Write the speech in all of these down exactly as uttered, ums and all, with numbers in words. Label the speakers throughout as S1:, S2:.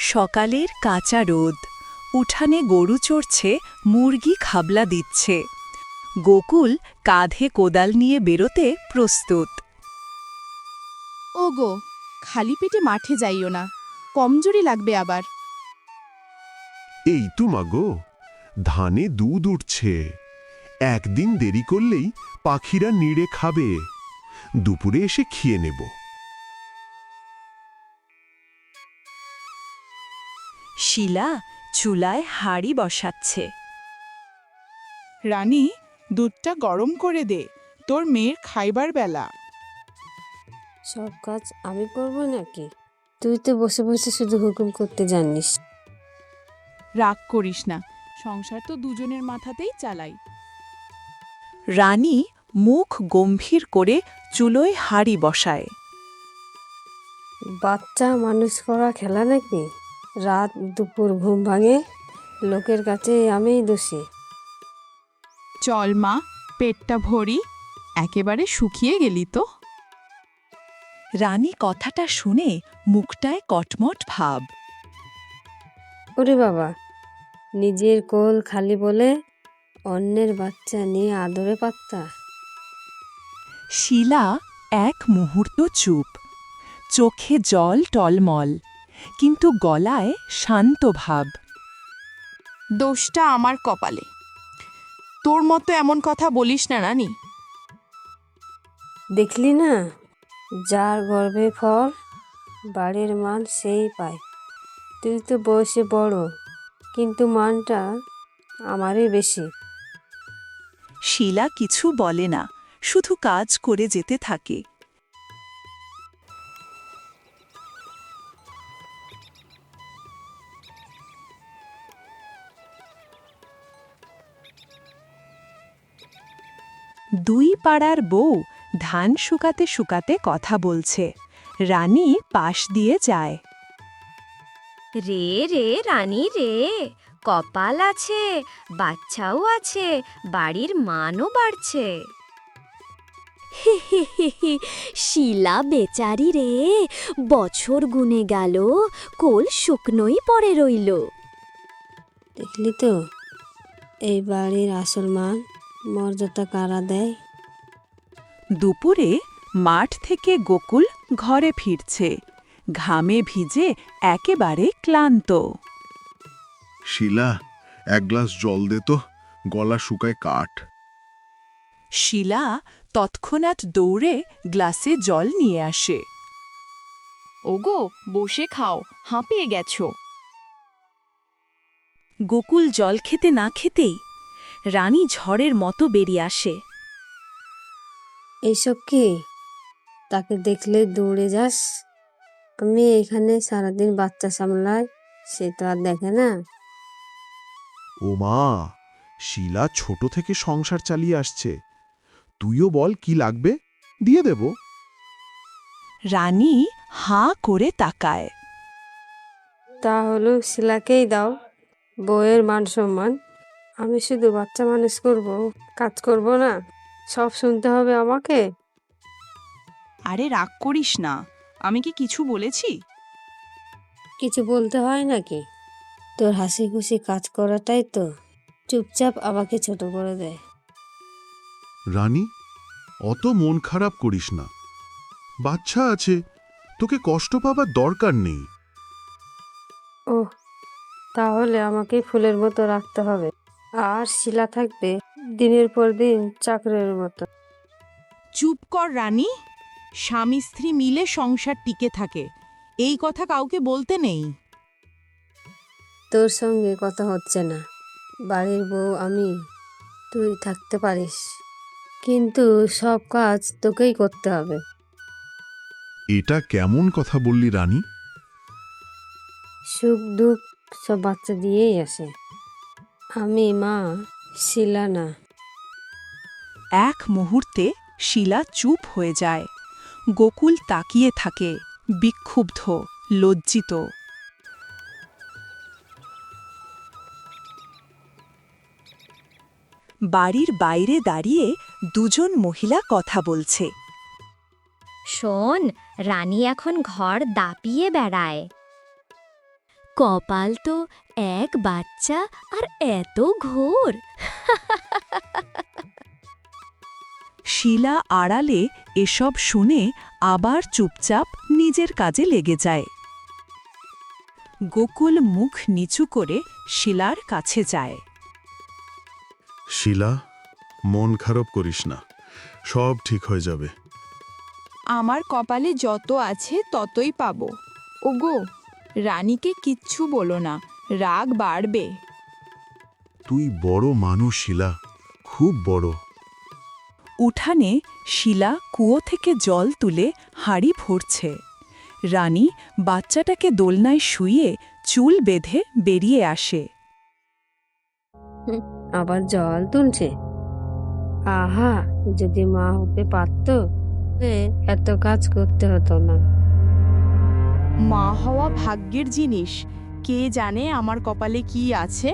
S1: সকালের কাঁচা রোদ, উঠানে গরু চড়ছে, মুরগি খাবলা দিচ্ছে। গোকুল কাঁধে কোদাল নিয়ে বেরোতে প্রস্তুত।
S2: ওগো, খালি পেটে মাঠে যাইও না, কমজোরি লাগবে আবার।
S3: এই তো মাগো, ধানে দুধ উঠছে। একদিন দেরি করলেই পাখিরা নিড়ে খাবে। দুপুরে এসে খেয়ে নেব।
S1: শিলা চুলায় হাঁড়ি বসাচ্ছে।
S4: রানী, দুধটা গরম করে দে, তোর মেয়ের খাইবার বেলা।
S5: সব কাজ আমি করব নাকি? তুই তো বসে বসে শুধু হুকুম করতে জানিস।
S2: রাগ করিস না, সংসার তো দুজনের মাথাতেই চালাই।
S1: রানী মুখ গম্ভীর করে চুলোয় হাঁড়ি বসায়।
S5: বাচ্চা মানুষ করা খেলা নাকি? রাত দুপুর ঘুম ভাঙে, লোকের কাছে আমিই দোষী।
S2: চল মা, পেটটা ভরি, একেবারে শুকিয়ে গেলি তো।
S1: রানী কথাটা শুনে মুখটায় কটমট ভাব।
S5: ওরে বাবা, নিজের কোল খালি বলে অন্যের বাচ্চা নিয়ে আদরে পাত্তা।
S1: শিলা এক মুহূর্ত চুপ, চোখে জল টলমল, কিন্তু গলায় শান্ত ভাব।
S2: দোষটা আমার কপালে। তোর মতো এমন কথা বলিস না রানী।
S5: দেখলি না, যার গর্ভে ফল বাড়ির মান সেই পায়। তুই তো বয়সে বড়, কিন্তু মানটা আমারই বেশি।
S1: শিলা কিছু বলে না, শুধু কাজ করে যেতে থাকে। দুই পাড়ার বউ ধান শুকাতে শুকাতে কথা বলছে। রানী পাশ দিয়ে যায়।
S6: রে রে রানী রে, কপাল আছে, বাচ্চাও আছে, বাড়ির মানও বাড়ছে। শিলা বেচারি রে, বছর গুনে গেল, কোল শুকনোই পড়ে রইল।
S5: দেখলি তো, এই বাড়ির আসল মান মর্যাদা কারা দেয়?
S1: দুপুরে মাঠ থেকে গোকুল ঘরে ফিরছে, ঘামে ভিজে একেবারে ক্লান্ত।
S3: শিলা, এক গ্লাস জল দে তো, গলা শুকায় কাঠ।
S1: শিলা তৎক্ষণাৎ দৌড়ে গ্লাসে জল নিয়ে আসে।
S2: ওগো, বসে খাও, হাঁপিয়ে গেছো।
S1: গোকুল জল খেতে না খেতেই রানী ঝড়ের মতো বেরিয়ে আসে।
S5: এইসব কি? তাকে দেখলে দৌড়ে যাস? আমি এখানে সারাদিন বাচ্চা সামলাই, সে তো আর দেখে না।
S3: ও মা, শিলা ছোট থেকে সংসার চালিয়ে আসছে। তুইও বল কি লাগবে, দিয়ে দেব।
S1: রানী হাঁ করে তাকায়।
S5: তাহলে শিলাকেই দাও, বউয়ের মান সম্মান। আমি শুধু বাচ্চা মানুষ করব, কাজ করব না, সব শুনতে হবে আমাকে?
S2: আরে রাগ করিস না, আমি কি কিছু বলেছি?
S5: কিছু বলতে হয় নাকি? তোর হাসি খুশি কাজ করাটাই তো চুপচাপ আমাকে ছোট করে দেয়।
S3: রানী, অত মন খারাপ করিস না। বাচ্চা আছে, তোকে কষ্ট পাবার দরকার নেই।
S5: ওহ, তাহলে আমাকে ফুলের মতো রাখতে হবে, আর শিলা থাকবে দিনের পর দিন চাকরের মতো।
S2: চুপ কর রানী, স্বামী স্ত্রী মিলে সংসার টিকে থাকে, এই কথা কাউকে বলতে নেই।
S5: তোর সঙ্গে কথা হচ্ছে না। বাড়ির বউ আমি, তুই থাকতে পারিস, কিন্তু সব কাজ তোকেই করতে হবে।
S3: এটা কেমন কথা বললি রানী?
S5: সুখ দুঃখ সব বাচ্চা দিয়েই আসে। আমি মা, শিলা না।
S1: এক মুহূর্তে শিলা চুপ হয়ে যায়। গোকুল তাকিয়ে থাকে, বিক্ষুব্ধ, লজ্জিত। বাড়ির বাইরে দাঁড়িয়ে দুজন মহিলা কথা বলছে।
S6: শোন, রানী এখন ঘর দাপিয়ে বেড়ায়। কপাল তো এক বাচ্চা আর এত ঘোর।
S1: শিলা আড়ালে এসব শুনে আবার চুপচাপ নিজের কাজে লেগে যায়। গোকুল মুখ নিচু করে শিলার কাছে যায়।
S3: শিলা, মন খারাপ করিস না, সব ঠিক হয়ে যাবে।
S4: আমার কপালে যত আছে ততই পাবো। ওগো, রানীকে কিচ্ছু বলো না, রাগ বাড়বে।
S3: তুই বড় মানুষ শিলা, খুব বড়।
S1: উঠানে শিলা কুয়ো থেকে জল তুলে হাঁড়ি ভরছে। রানী বাচ্চাটাকে দোলনায় শুইয়ে চুল বেঁধে বেরিয়ে আসে।
S5: আবার জল তুলছে। আহা, যদি মা হতে পারত এত কাজ করতে হতো না।
S4: মা হওয়া ভাগ্যের জিনিস, কে জানে আমার কপালে কি আছে।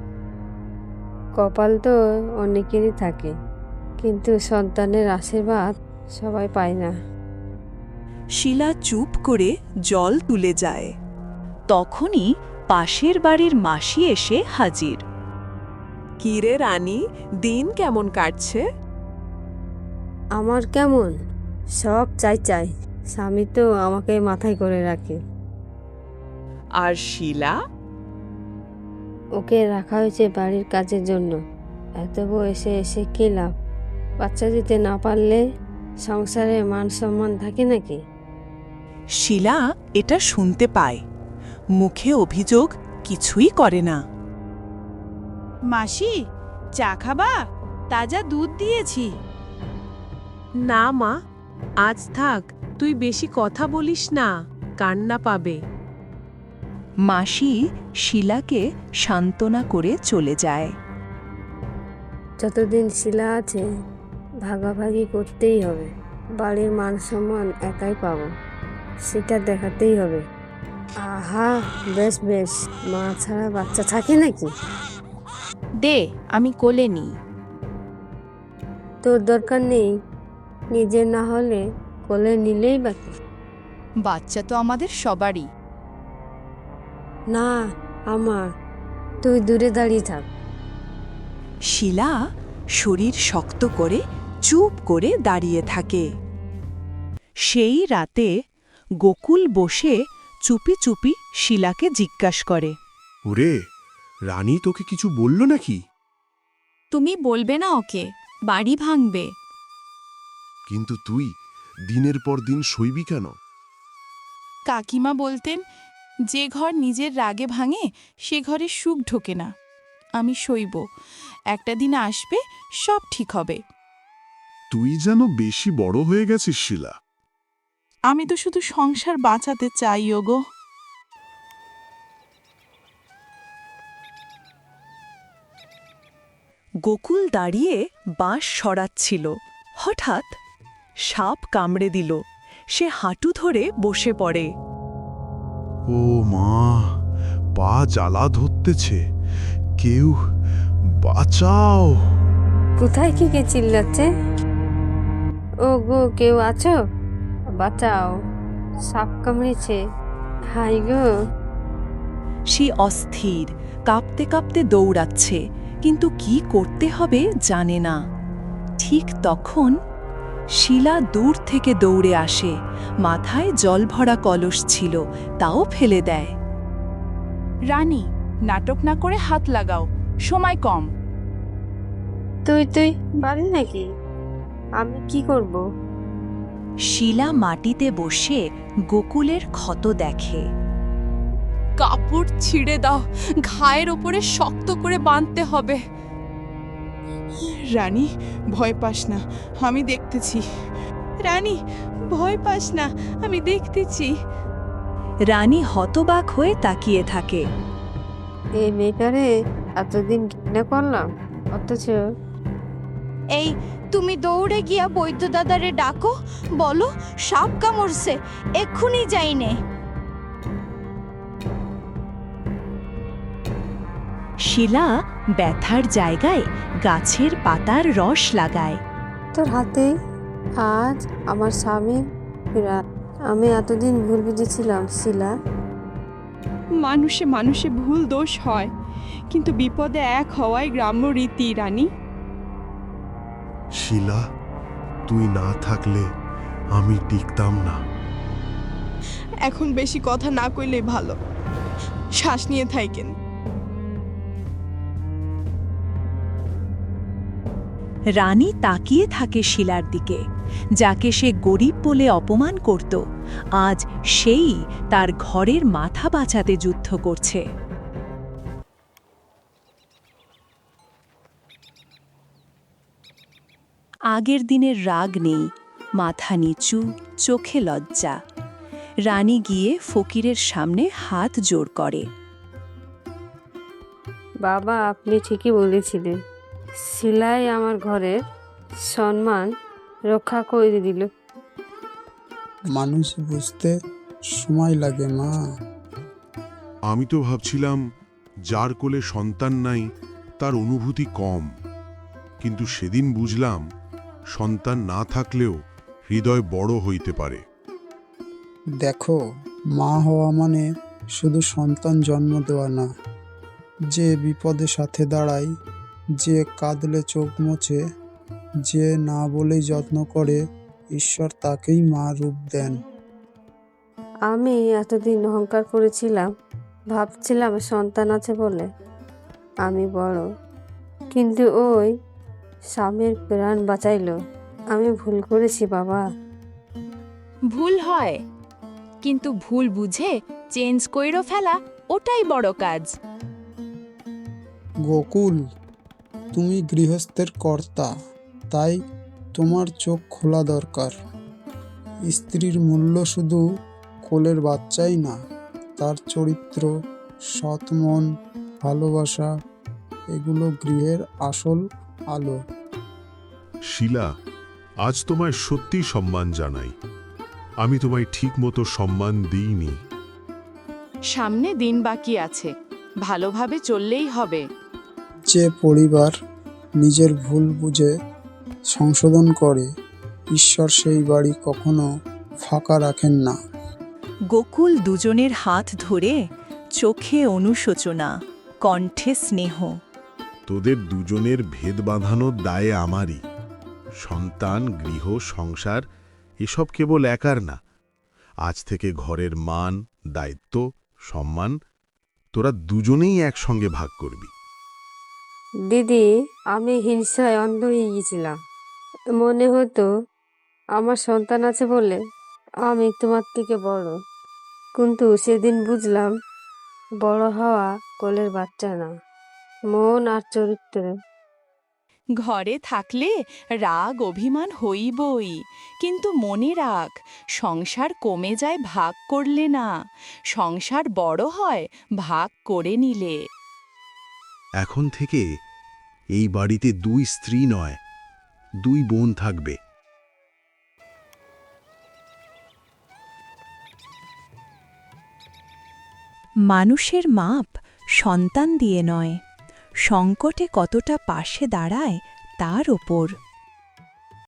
S5: কপাল তো অনেকেরই থাকে, কিন্তু সন্তানের আশীর্বাদ সবাই পায় না।
S1: শিলা চুপ করে জল তুলে যায়। তখনই পাশের বাড়ির মাসি এসে হাজির। কিরে রানী, দিন কেমন কাটছে?
S5: আমার কেমন, সব চাই চাই। স্বামী তো আমাকে মাথায় করে রাখে।
S1: আর শিলা?
S5: ওকে রাখা হয়েছে বাড়ির কাজের জন্য। এত বয়সে এসে কি লাভ? বাচ্চা দিতে না পারলে সংসারে মান সম্মান থাকে নাকি?
S1: শিলা এটা শুনতে পায়, মুখে অভিযোগ কিছুই করে না।
S4: মাসি, চা খাবা? তাজা দুধ দিয়েছি।
S7: না মা, আজ থাক, তুই বেশি কথা বলিস না, কান্না পাবে।
S1: মাসি শিলাকে সান্ত্বনা করে চলে যায়।
S5: যতদিন শিলা আছে ভাগাভাগি করতেই হবে। বাড়ির মান সম্মান একাই পাবো, সেটা দেখাতেই হবে। আহা, বেশ বেশ, মা ছাড়া বাচ্চা থাকে নাকি?
S4: দে, আমি কোলে নিই।
S5: তোর দরকার নেই, নিজের না হলে কোলে নিলেই বাকি।
S4: বাচ্চা তো আমাদের সবারই।
S5: না, আমার। তুই দূরে দাঁড়িয়ে থাক।
S1: শিলা শরীর শক্ত করে চুপ করে দাঁড়িয়ে থাকে। সেই রাতে গোকুল বসে চুপি চুপি শিলাকে জিজ্ঞাসা করে,
S3: ওরে, রানী তোকে কিছু বলল নাকি?
S4: তুমি বলবে না ওকে, বাড়ি ভাঙবে।
S3: কিন্তু তুই দিনের পর দিন সইবি কেন?
S4: কাকিমা বলতেন, যে ঘর নিজের রাগে ভাঙে সে ঘরে সুখ ঢোকে না। আমি সইব, একটা দিন আসবে, সব ঠিক হবে।
S3: তুই যেন বেশি বড় হয়ে গেছিস শিলা।
S4: আমি তো শুধু সংসার বাঁচাতে চাই ওগো।
S1: গোকুল দাঁড়িয়ে বাঁশ সরাচ্ছিল। হঠাৎ সাপ কামড়ে দিল। সে হাঁটু ধরে বসে পড়ে।
S3: ও মা, পা জ্বালা ধরতেছে, কেউ বাঁচাও।
S5: কোথায় কি কে চিল্লাচ্ছে? ও গো, কেউ আছো? বাঁচাও, সাপ কামড়েছে। হাই গো।
S1: সে অস্থির, কাঁপতে কাঁপতে দৌড়াচ্ছে, কিন্তু কি করতে হবে জানে না। ঠিক তখন শিলা দূর থেকে দৌড়ে আসে। মাথায় জলভরা কলস ছিল, তাও ফেলে দেয়।
S4: রানী, নাটক না করে হাত লাগাও, সময় কম।
S5: তুই তুই পারি নাকি? আমি কি করব?
S1: শিলা মাটিতে বসে গোকুলের ক্ষত দেখে।
S4: কাপড় ছিঁড়ে দাও, ঘায়ের ওপরে শক্ত করে বাঁধতে হবে। রানী, ভয় পাস না, আমি দেখতেছি। রানী, ভয় পাস না, আমি দেখতেছি।
S1: রানী হতবাক হয়ে তাকিয়ে থাকে।
S5: এই মেয়েটারে এতদিন ঘৃণা করলাম, অথচ
S6: এই, তুমি দৌড়ে গিয়া বৈদ্য দাদারে ডাকো, বলো সাপ কামড়ছে, এক্ষুনি যাইনে।
S1: শিলা ব্যথার জায়গায় গাছের পাতার রস লাগায়।
S5: তোর হাতে আজ আমার স্বামীর ফেরা। আমি এতদিন ভুল বুঝেছিলাম শিলা।
S8: মানুষে মানুষে ভুল দোষ হয়, কিন্তু বিপদে এক হওয়াই গ্রাম্য রীতি রানী।
S3: শিলা, তুই না থাকলে আমি টিকতাম না।
S8: এখন বেশি কথা না কইলেই ভালো, শ্বাস নিয়ে থাকেন।
S1: রানী তাকিয়ে থাকে শিলার দিকে, যাকে সে গরিব বলে অপমান করত। আজ সেই তার ঘরের মাথা বাঁচাতে যুদ্ধ করছে। আগের দিনের রাগ নেই, মাথা নিচু, চোখে লজ্জা। রানী গিয়ে ফকিরের সামনে হাত জোড় করে।
S5: বাবা, আপনি ঠিকই বলেছিলেন। শিলাই আমার ঘরের সম্মান রক্ষা করে দিল।
S9: মানুষ বুঝতে সময় লাগে মা।
S3: আমি তো ভাবছিলাম যার কোলে সন্তান নাই তার অনুভূতি কম, কিন্তু সেদিন বুঝলাম সন্তান না থাকলেও হৃদয় বড় হইতে পারে।
S9: দেখো, মা হওয়া মানে শুধু সন্তান জন্ম দেওয়া না। যে বিপদে সাথে দাঁড়ায়, যে কাঁদলে চোখ মোছে, যে না বলেই যত্ন করে, ঈশ্বর তাকেই মা রূপ দেন।
S5: আমি এতদিন অহংকার করেছিলাম, ভাবছিলাম সন্তান আছে বলে আমি বড়, কিন্তু ওই স্বামীর প্রাণ বাঁচাইলো। আমি ভুল করেছি বাবা।
S4: ভুল হয়, কিন্তু ভুল বুঝে চেঞ্জ কইরো ফেলা ওটাই বড় কাজ।
S9: গোকুল, তুমি গৃহস্থের কর্তা, তাই তোমার চোখ খোলা দরকার। স্ত্রীর মূল্য শুধু কোলের বাচ্চাই না, তার চরিত্র, সৎ মন, ভালোবাসা, এগুলো গৃহের আসল আলো।
S3: শিলা, আজ তোমায় সত্যি সম্মান জানাই। আমি তোমায় ঠিক মতো সম্মান দিইনি।
S2: সামনে দিন বাকি আছে, ভালোভাবে চললেই হবে।
S9: যে পরিবার নিজের ভুল বুঝে সংশোধন করে, ঈশ্বর সেই বাড়ি কখনো ফাঁকা রাখেন না।
S1: গোকুল দুজনের হাত ধরে, চোখে অনুশোচনা, কণ্ঠে স্নেহ।
S3: তোদের দুজনের ভেদ বাঁধানোর দায়ে আমারই। সন্তান, গৃহ, সংসার এসব কেবল একার না। আজ থেকে ঘরের মান, দায়িত্ব, সম্মান তোরা দুজনেই একসঙ্গে ভাগ করবি।
S5: দিদি, আমি হিংসায় অন্ধ হয়ে গেছিলাম। মনে হতো আমার সন্তান আছে বলে আমি তোমার থেকে বড়, কিন্তু সেদিন বুঝলাম বড় হওয়া কোলের বাচ্চা না, মন আর চরিত্র।
S4: ঘরে থাকলে রাগ অভিমান হইবই, কিন্তু মনে রাখ, সংসার কমে যায় ভাগ করলে না, সংসার বড় হয় ভাগ করে নিলে।
S3: এখন থেকে এই বাড়িতে দুই স্ত্রী নয়, দুই বোন থাকবে।
S1: মানুষের মাপ সন্তান দিয়ে নয়, সংকটে কতটা পাশে দাঁড়ায় তার ওপর।